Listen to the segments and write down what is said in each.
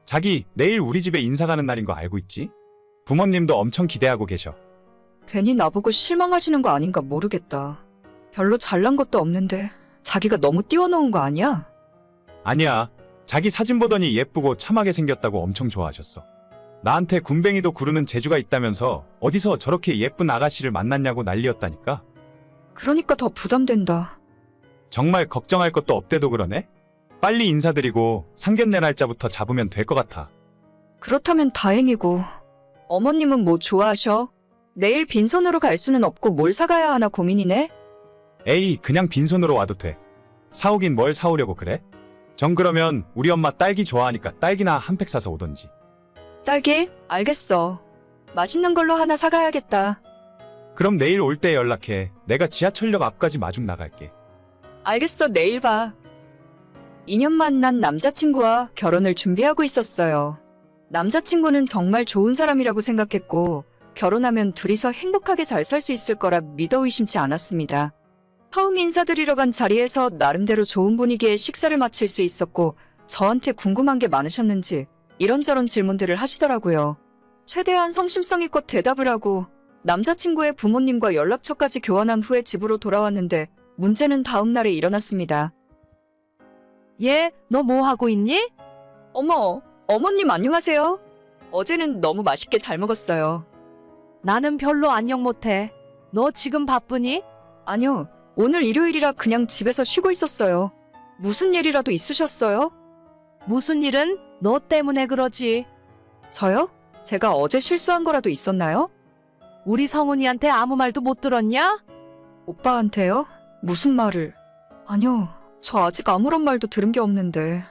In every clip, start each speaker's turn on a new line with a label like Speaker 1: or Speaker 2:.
Speaker 1: 자기 내일 우리 집에 인사 가는 날인 거 알고 있지? 부모님도 엄청 기대하고 계셔.
Speaker 2: 괜히 나보고 실망하시는 거 아닌가 모르겠다. 별로 잘난 것도 없는데 자기가 너무 띄워놓은 거 아니야?
Speaker 1: 아니야. 자기 사진 보더니 예쁘고 참하게 생겼다고 엄청 좋아하셨어. 나한테 군뱅이도 구르는 재주가 있다면서 어디서 저렇게 예쁜 아가씨를 만났냐고 난리였다니까.
Speaker 2: 그러니까 더 부담된다.
Speaker 1: 정말 걱정할 것도 없대도 그러네? 빨리 인사드리고 상견례 날짜부터 잡으면 될 것 같아.
Speaker 2: 그렇다면 다행이고. 어머님은 뭐 좋아하셔? 내일 빈손으로 갈 수는 없고 뭘 사가야 하나 고민이네?
Speaker 1: 에이, 그냥 빈손으로 와도 돼. 사오긴 뭘 사오려고 그래? 정 그러면 우리 엄마 딸기 좋아하니까 딸기나 한 팩 사서 오던지.
Speaker 2: 딸기? 알겠어. 맛있는 걸로 하나 사가야겠다.
Speaker 1: 그럼 내일 올 때 연락해. 내가 지하철역 앞까지 마중 나갈게.
Speaker 2: 알겠어, 내일 봐. 2년 만난 남자친구와 결혼을 준비하고 있었어요. 남자친구는 정말 좋은 사람이라고 생각했고, 결혼하면 둘이서 행복하게 잘 살 수 있을 거라 믿어 의심치 않았습니다. 처음 인사드리러 간 자리에서 나름대로 좋은 분위기에 식사를 마칠 수 있었고, 저한테 궁금한 게 많으셨는지 이런저런 질문들을 하시더라고요. 최대한 성심성의껏 대답을 하고 남자친구의 부모님과 연락처까지 교환한 후에 집으로 돌아왔는데 문제는 다음 날에 일어났습니다.
Speaker 3: 얘, 너 뭐 하고 있니?
Speaker 2: 어머, 어머님 안녕하세요. 어제는 너무 맛있게 잘 먹었어요.
Speaker 3: 나는 별로 안녕 못해. 너 지금 바쁘니?
Speaker 2: 아니요, 오늘 일요일이라 그냥 집에서 쉬고 있었어요. 무슨 일이라도 있으셨어요?
Speaker 3: 무슨 일은? 너 때문에 그러지.
Speaker 2: 저요? 제가 어제 실수한 거라도 있었나요?
Speaker 3: 우리 성훈이한테 아무 말도 못 들었냐?
Speaker 2: 오빠한테요? 무슨 말을? 아니요, 저 아직 아무런 말도 들은 게 없는데.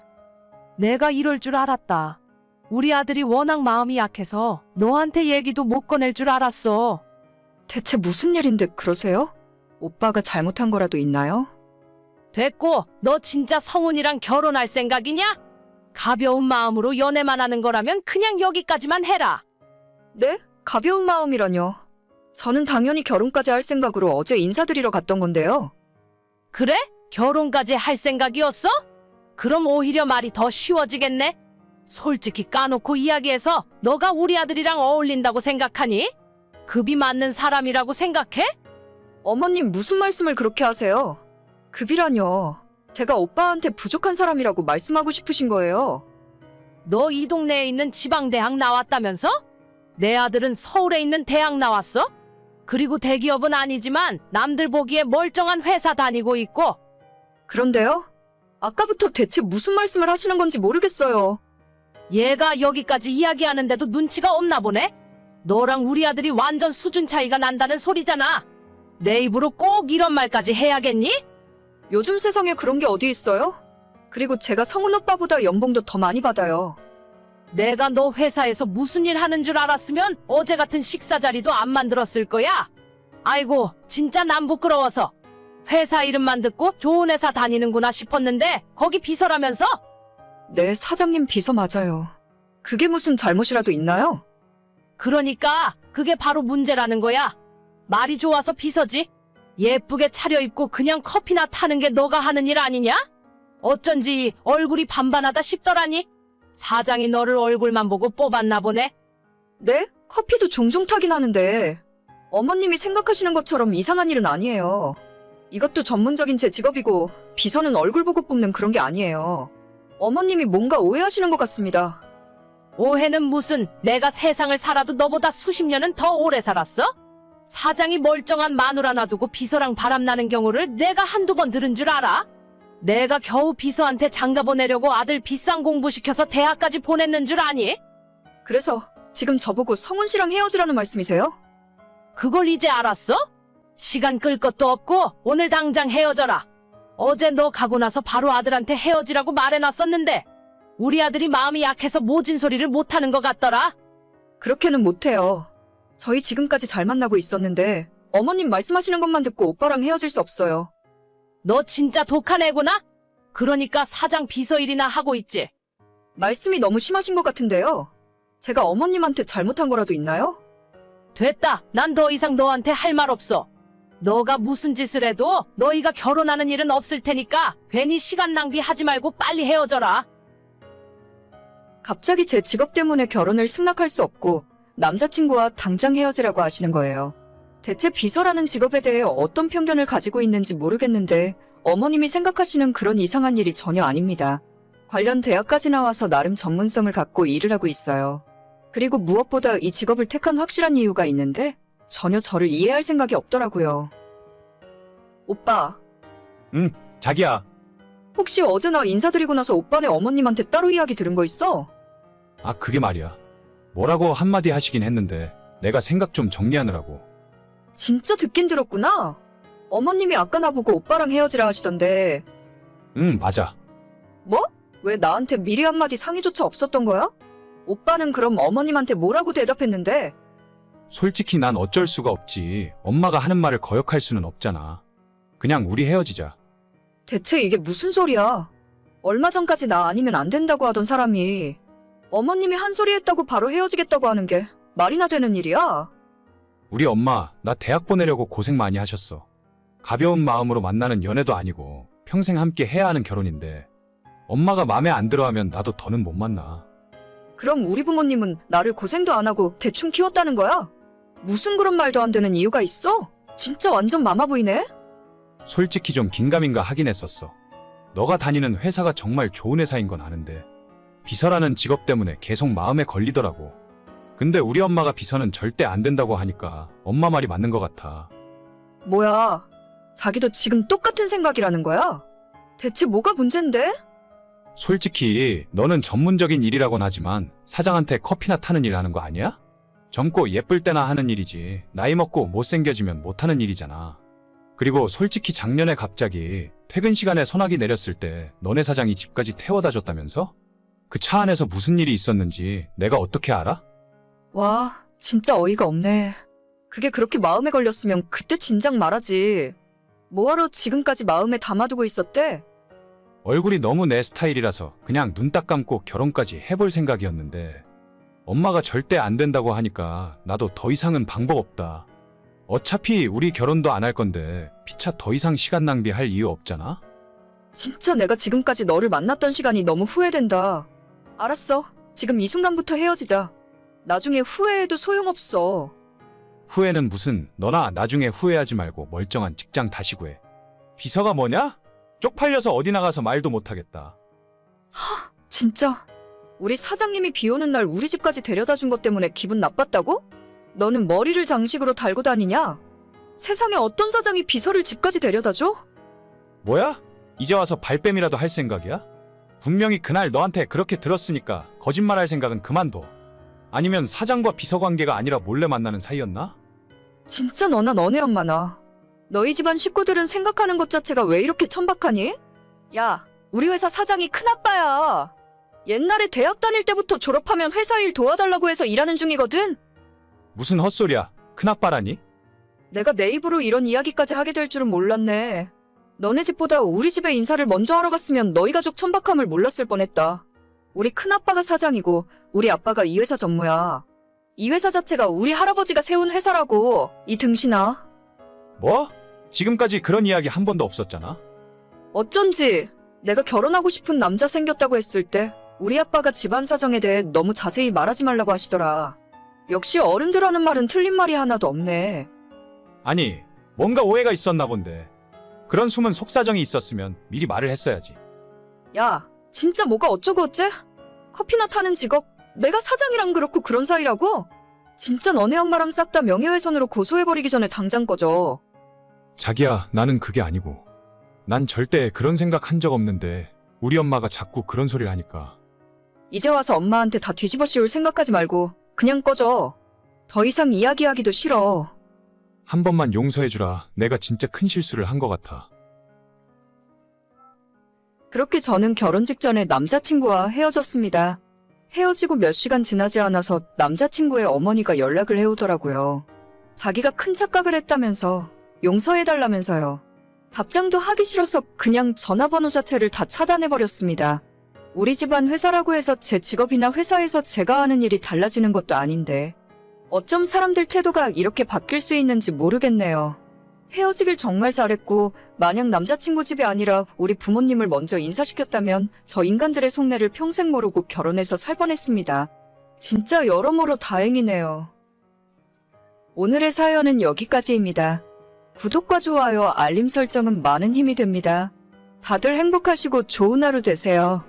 Speaker 3: 내가 이럴 줄 알았다. 우리 아들이 워낙 마음이 약해서 너한테 얘기도 못 꺼낼 줄 알았어.
Speaker 2: 대체 무슨 일인데 그러세요? 오빠가 잘못한 거라도 있나요?
Speaker 3: 됐고, 너 진짜 성훈이랑 결혼할 생각이냐? 가벼운 마음으로 연애만 하는 거라면 그냥 여기까지만 해라.
Speaker 2: 네? 가벼운 마음이라뇨. 저는 당연히 결혼까지 할 생각으로 어제 인사드리러 갔던 건데요.
Speaker 3: 그래? 결혼까지 할 생각이었어? 그럼 오히려 말이 더 쉬워지겠네? 솔직히 까놓고 이야기해서 너가 우리 아들이랑 어울린다고 생각하니? 급이 맞는 사람이라고 생각해?
Speaker 2: 어머님 무슨 말씀을 그렇게 하세요? 급이라뇨. 제가 오빠한테 부족한 사람이라고 말씀하고 싶으신 거예요.
Speaker 3: 너 이 동네에 있는 지방대학 나왔다면서? 내 아들은 서울에 있는 대학 나왔어? 그리고 대기업은 아니지만 남들 보기에 멀쩡한 회사 다니고 있고.
Speaker 2: 그런데요? 아까부터 대체 무슨 말씀을 하시는 건지 모르겠어요.
Speaker 3: 얘가 여기까지 이야기하는데도 눈치가 없나 보네? 너랑 우리 아들이 완전 수준 차이가 난다는 소리잖아. 내 입으로 꼭 이런 말까지 해야겠니?
Speaker 2: 요즘 세상에 그런 게 어디 있어요? 그리고 제가 성훈 오빠보다 연봉도 더 많이 받아요.
Speaker 3: 내가 너 회사에서 무슨 일 하는 줄 알았으면 어제 같은 식사 자리도 안 만들었을 거야. 아이고, 진짜 난 부끄러워서. 회사 이름만 듣고 좋은 회사 다니는구나 싶었는데 거기 비서라면서?
Speaker 2: 네, 사장님 비서 맞아요. 그게 무슨 잘못이라도 있나요?
Speaker 3: 그러니까 그게 바로 문제라는 거야. 말이 좋아서 비서지. 예쁘게 차려입고 그냥 커피나 타는 게 너가 하는 일 아니냐? 어쩐지 얼굴이 반반하다 싶더라니. 사장이 너를 얼굴만 보고 뽑았나 보네.
Speaker 2: 네? 커피도 종종 타긴 하는데 어머님이 생각하시는 것처럼 이상한 일은 아니에요. 이것도 전문적인 제 직업이고 비서는 얼굴 보고 뽑는 그런 게 아니에요. 어머님이 뭔가 오해하시는 것 같습니다.
Speaker 3: 오해는 무슨, 내가 세상을 살아도 너보다 수십 년은 더 오래 살았어? 사장이 멀쩡한 마누라 놔두고 비서랑 바람나는 경우를 내가 한두 번 들은 줄 알아? 내가 겨우 비서한테 장가 보내려고 아들 비싼 공부시켜서 대학까지 보냈는 줄 아니?
Speaker 2: 그래서 지금 저보고 성훈 씨랑 헤어지라는 말씀이세요?
Speaker 3: 그걸 이제 알았어? 시간 끌 것도 없고 오늘 당장 헤어져라. 어제 너 가고 나서 바로 아들한테 헤어지라고 말해놨었는데 우리 아들이 마음이 약해서 모진 소리를 못하는 것 같더라.
Speaker 2: 그렇게는 못해요. 저희 지금까지 잘 만나고 있었는데 어머님 말씀하시는 것만 듣고 오빠랑 헤어질 수 없어요.
Speaker 3: 너 진짜 독한 애구나? 그러니까 사장 비서 일이나 하고 있지.
Speaker 2: 말씀이 너무 심하신 것 같은데요. 제가 어머님한테 잘못한 거라도 있나요?
Speaker 3: 됐다. 난 더 이상 너한테 할 말 없어. 너가 무슨 짓을 해도 너희가 결혼하는 일은 없을 테니까 괜히 시간 낭비하지 말고 빨리 헤어져라.
Speaker 2: 갑자기 제 직업 때문에 결혼을 승낙할 수 없고 남자친구와 당장 헤어지라고 하시는 거예요. 대체 비서라는 직업에 대해 어떤 편견을 가지고 있는지 모르겠는데 어머님이 생각하시는 그런 이상한 일이 전혀 아닙니다. 관련 대학까지 나와서 나름 전문성을 갖고 일을 하고 있어요. 그리고 무엇보다 이 직업을 택한 확실한 이유가 있는데 전혀 저를 이해할 생각이 없더라고요. 오빠,
Speaker 1: 자기야.
Speaker 2: 혹시 어제 나 인사드리고 나서 오빠네 어머님한테 따로 이야기 들은 거 있어?
Speaker 1: 아, 그게 말이야. 뭐라고 한마디 하시긴 했는데 내가 생각 좀 정리하느라고.
Speaker 2: 진짜 듣긴 들었구나. 어머님이 아까 나보고 오빠랑 헤어지라 하시던데
Speaker 1: 맞아.
Speaker 2: 뭐? 왜 나한테 미리 한마디 상의조차 없었던 거야? 오빠는 그럼 어머님한테 뭐라고 대답했는데?
Speaker 1: 솔직히 난 어쩔 수가 없지. 엄마가 하는 말을 거역할 수는 없잖아. 그냥 우리 헤어지자.
Speaker 2: 대체 이게 무슨 소리야? 얼마 전까지 나 아니면 안 된다고 하던 사람이 어머님이 한 소리 했다고 바로 헤어지겠다고 하는 게 말이나 되는 일이야?
Speaker 1: 우리 엄마 나 대학 보내려고 고생 많이 하셨어. 가벼운 마음으로 만나는 연애도 아니고 평생 함께 해야 하는 결혼인데 엄마가 마음에 안 들어하면 나도 더는 못 만나.
Speaker 2: 그럼 우리 부모님은 나를 고생도 안 하고 대충 키웠다는 거야? 무슨 그런 말도 안 되는 이유가 있어? 진짜 완전 마마보이네?
Speaker 1: 솔직히 좀 긴가민가 하긴 했었어. 너가 다니는 회사가 정말 좋은 회사인 건 아는데 비서라는 직업 때문에 계속 마음에 걸리더라고. 근데 우리 엄마가 비서는 절대 안 된다고 하니까 엄마 말이 맞는 것 같아.
Speaker 2: 뭐야, 자기도 지금 똑같은 생각이라는 거야? 대체 뭐가 문제인데?
Speaker 1: 솔직히 너는 전문적인 일이라곤 하지만 사장한테 커피나 타는 일 하는 거 아니야? 젊고 예쁠 때나 하는 일이지 나이 먹고 못생겨지면 못하는 일이잖아. 그리고 솔직히 작년에 갑자기 퇴근 시간에 소나기 내렸을 때 너네 사장이 집까지 태워다 줬다면서? 그 차 안에서 무슨 일이 있었는지 내가 어떻게 알아?
Speaker 2: 와, 진짜 어이가 없네. 그게 그렇게 마음에 걸렸으면 그때 진작 말하지. 뭐하러 지금까지 마음에 담아두고 있었대?
Speaker 1: 얼굴이 너무 내 스타일이라서 그냥 눈 딱 감고 결혼까지 해볼 생각이었는데 엄마가 절대 안 된다고 하니까 나도 더 이상은 방법 없다. 어차피 우리 결혼도 안 할 건데 피차 더 이상 시간 낭비할 이유 없잖아?
Speaker 2: 진짜 내가 지금까지 너를 만났던 시간이 너무 후회된다. 알았어. 지금 이 순간부터 헤어지자. 나중에 후회해도 소용없어.
Speaker 1: 후회는 무슨, 너나 나중에 후회하지 말고 멀쩡한 직장 다시 구해. 비서가 뭐냐? 쪽팔려서 어디 나가서 말도 못하겠다.
Speaker 2: 진짜 우리 사장님이 비 오는 날 우리 집까지 데려다 준 것 때문에 기분 나빴다고? 너는 머리를 장식으로 달고 다니냐? 세상에 어떤 사장이 비서를 집까지 데려다 줘?
Speaker 1: 뭐야? 이제 와서 발뺌이라도 할 생각이야? 분명히 그날 너한테 그렇게 들었으니까 거짓말할 생각은 그만둬. 아니면 사장과 비서 관계가 아니라 몰래 만나는 사이였나?
Speaker 2: 진짜 너나 너네 엄마나. 너희 집안 식구들은 생각하는 것 자체가 왜 이렇게 천박하니? 야, 우리 회사 사장이 큰아빠야. 옛날에 대학 다닐 때부터 졸업하면 회사 일 도와달라고 해서 일하는 중이거든?
Speaker 1: 무슨 헛소리야. 큰아빠라니?
Speaker 2: 내가 내 입으로 이런 이야기까지 하게 될 줄은 몰랐네. 너네 집보다 우리 집에 인사를 먼저 하러 갔으면 너희 가족 천박함을 몰랐을 뻔했다. 우리 큰아빠가 사장이고 우리 아빠가 이 회사 전무야. 이 회사 자체가 우리 할아버지가 세운 회사라고, 이 등신아.
Speaker 1: 뭐? 지금까지 그런 이야기 한 번도 없었잖아.
Speaker 2: 어쩐지 내가 결혼하고 싶은 남자 생겼다고 했을 때 우리 아빠가 집안 사정에 대해 너무 자세히 말하지 말라고 하시더라. 역시 어른들 하는 말은 틀린 말이 하나도 없네.
Speaker 1: 아니, 뭔가 오해가 있었나 본데. 그런 숨은 속사정이 있었으면 미리 말을 했어야지.
Speaker 2: 야, 진짜 뭐가 어쩌고 어째? 커피나 타는 직업, 내가 사장이랑 그렇고 그런 사이라고? 진짜 너네 엄마랑 싹 다 명예훼손으로 고소해버리기 전에 당장 꺼져.
Speaker 1: 자기야, 나는 그게 아니고. 난 절대 그런 생각 한 적 없는데 우리 엄마가 자꾸 그런 소리를 하니까.
Speaker 2: 이제 와서 엄마한테 다 뒤집어 씌울 생각하지 말고 그냥 꺼져. 더 이상 이야기하기도 싫어.
Speaker 1: 한 번만 용서해주라. 내가 진짜 큰 실수를 한 것 같아.
Speaker 2: 그렇게 저는 결혼 직전에 남자친구와 헤어졌습니다. 헤어지고 몇 시간 지나지 않아서 남자친구의 어머니가 연락을 해오더라고요. 자기가 큰 착각을 했다면서 용서해달라면서요. 답장도 하기 싫어서 그냥 전화번호 자체를 다 차단해버렸습니다. 우리 집안 회사라고 해서 제 직업이나 회사에서 제가 하는 일이 달라지는 것도 아닌데 어쩜 사람들 태도가 이렇게 바뀔 수 있는지 모르겠네요. 헤어지길 정말 잘했고, 만약 남자친구 집이 아니라 우리 부모님을 먼저 인사시켰다면 저 인간들의 속내를 평생 모르고 결혼해서 살 뻔했습니다. 진짜 여러모로 다행이네요. 오늘의 사연은 여기까지입니다. 구독과 좋아요, 알림 설정은 많은 힘이 됩니다. 다들 행복하시고 좋은 하루 되세요.